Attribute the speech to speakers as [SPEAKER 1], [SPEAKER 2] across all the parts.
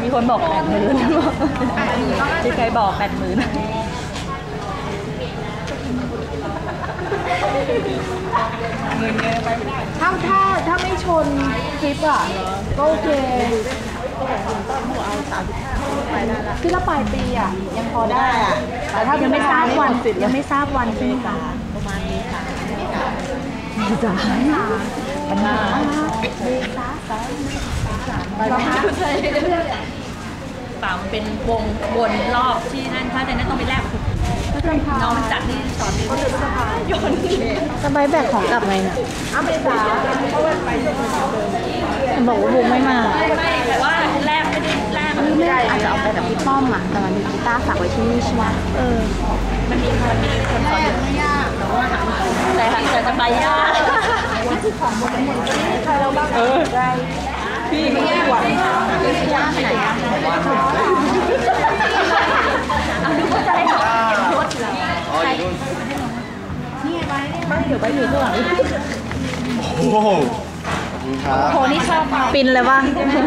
[SPEAKER 1] มีคนบอก80,000ที่ใครบอก80,000เงินเยอะไปไม่ได้
[SPEAKER 2] ถ้าไม่ชนคลิปอ่ะก็โอเคที่ละปลายปีอ่ะยังพอได้อ่ะแต่ถ้ายังไม่ทราบวันใช่ไหมคะประมาณนี้ค่ะปัญหาเปล่ามันเป็นวงวนรอบที่นั่นถ้าแต่นั้นต้องไปแลกน้องจัดที่สอนโยนสบายแบกของกลับไงเนี่ยไปจ้าบอกว่าบุกไม่มาไม่แต่ว่าแลกไม่ได้อาจจะเอาไปแบบพี่ป้อมอ่ะแต่มันมีกีตาร์ฝากไว้ที่นี่ใช่ไหมมันมีคนสอนไม่ยากแต่หลังจากจะไปยากของบนใครเราบ้างพี่ไม่ยากหวังยากไปไหนอ่ะเอาดูว่าจะได้รถนี่ไงไปเดี๋ยวไปอยู่ข้างหลัง
[SPEAKER 3] โอ้โห
[SPEAKER 2] โหนี่ชอบปินเลยว่ะ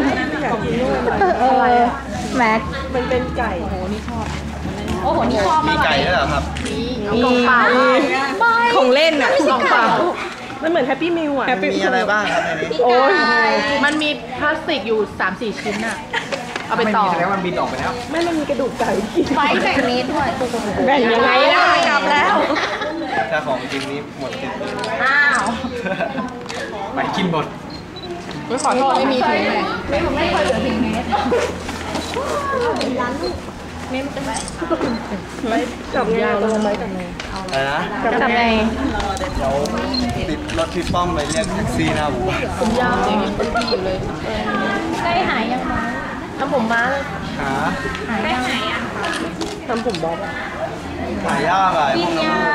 [SPEAKER 2] แม็กมันเป็นไก่โหนี่ชอบโอ้โหนี่ชอบมาก
[SPEAKER 3] มีไก่ด้วยเหรอครับ
[SPEAKER 2] มีของเปล่าของเล่นอ่ะของเปล่า
[SPEAKER 1] มันเหมือนแฮปปี้มิลอ่ะ
[SPEAKER 3] มีอะไรบ้างครับในนี้
[SPEAKER 2] โอ้ยมันมีพลาสติกอยู่ 3-4 ชิ้นอ่ะเอาไปต่อ
[SPEAKER 3] แสดงว่ามันบินออกไปแล้ว
[SPEAKER 1] ไม่มันมีกระดูกไก่
[SPEAKER 2] ไฟแบ่งนี้ด้วย
[SPEAKER 1] แบ่งยังไงล่ะกลับแล้ว
[SPEAKER 3] ถ้าของจริงนี้หมดสิทธิ์
[SPEAKER 2] อ้าว
[SPEAKER 3] ไปกินหมด
[SPEAKER 2] ขอโทษไม่มีถุงเลยไม่เคยเหลือถึงเมตรร้านลูกเมตรเป็นไหม
[SPEAKER 1] จับยาวลงไหมจับไง
[SPEAKER 3] อะไรนะ
[SPEAKER 2] จับไง
[SPEAKER 3] เดี๋ยวติดรถพี่ป้อมไปเรียกแท็กซี่หน้าหมู่บ้าน
[SPEAKER 2] ผมยาวอย่างนี้เป็นปีอยู่เลยใกล้หายยังไงทำผมม้าเลย
[SPEAKER 3] หา
[SPEAKER 2] ใกล้หายอ่ะ
[SPEAKER 1] ทำผมบ๊อบ
[SPEAKER 3] หายากอ่ะ
[SPEAKER 2] กินยา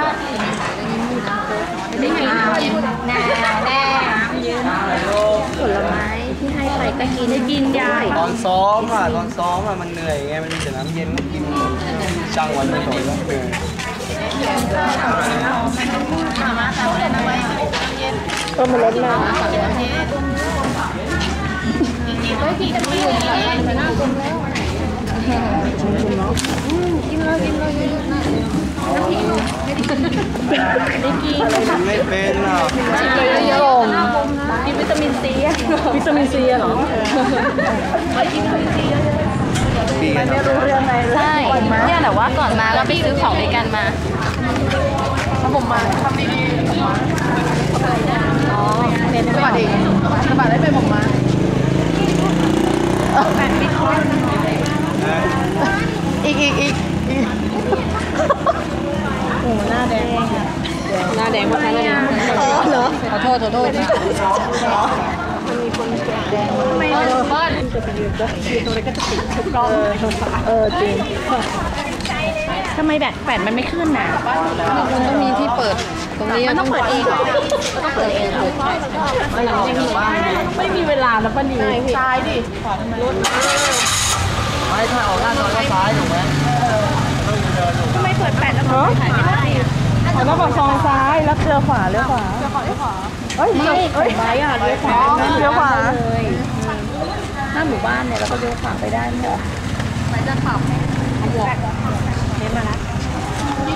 [SPEAKER 2] ไม่กินแน่ผลไม้ที่ให้ไปก็กินได้กินยา
[SPEAKER 3] ตอนซ้อมมันเหนื่อยไงมันมีแต่น้ำเย็นก็กินช่างวันไม่สนแล้วเหนื่อย
[SPEAKER 1] ก็มันลดมา
[SPEAKER 2] พี่จะไม่อยู่ไปหน้าคุณแล้วกินเลย
[SPEAKER 3] ไม่เป็นอ่ะ
[SPEAKER 2] เยอะๆกินวิตามินซี
[SPEAKER 1] เหรอ
[SPEAKER 2] ไม่กินวิตามินซี
[SPEAKER 1] มันไม่รู้เรื่องอะไรเลย
[SPEAKER 2] ใช่เนี่ยแต่ว่าก่อนมาเราไปซื้อของด้วยกันมาผมมาทำดีอ๋อเน้นสวัสดีสวัสดีได้เป็นผมมาแฟนมิดคอนอีก
[SPEAKER 1] โอ้หน้าแดงมากเลย
[SPEAKER 2] เหรอขอโทษมันมีคนแดงไม่เบิ้ล
[SPEAKER 1] จะไปยืนตรงไหนก็จะติดทุกรอบจริง
[SPEAKER 2] ทำไมแบตมันไม่ขึ้นน่ะมันต้องมีที่เปิดตรงนี้มันต้องเปิดเองต้องเปิดเอง
[SPEAKER 1] ไม่มีเวลาแล้วป้านี
[SPEAKER 2] ซ้ายดิรถ
[SPEAKER 3] ไม่ถ้าออกหน้าจอก็ซ้ายถูกไหม
[SPEAKER 2] ทำไมเปิดแปดแล้วมันถ่ายไม่ได้อ่ะ
[SPEAKER 1] แล้วก็ซองซ้ายแล้วเลี้ยวขวาเฮ้ย
[SPEAKER 2] ไปอ่ะเลี้ยวขวา
[SPEAKER 1] เลย
[SPEAKER 2] หน้าหมู่บ้านเนี่ยเราก็เลี้ยวขวาไปได้ไหมเหรอไปจะขับให้บวกเน้นมาละ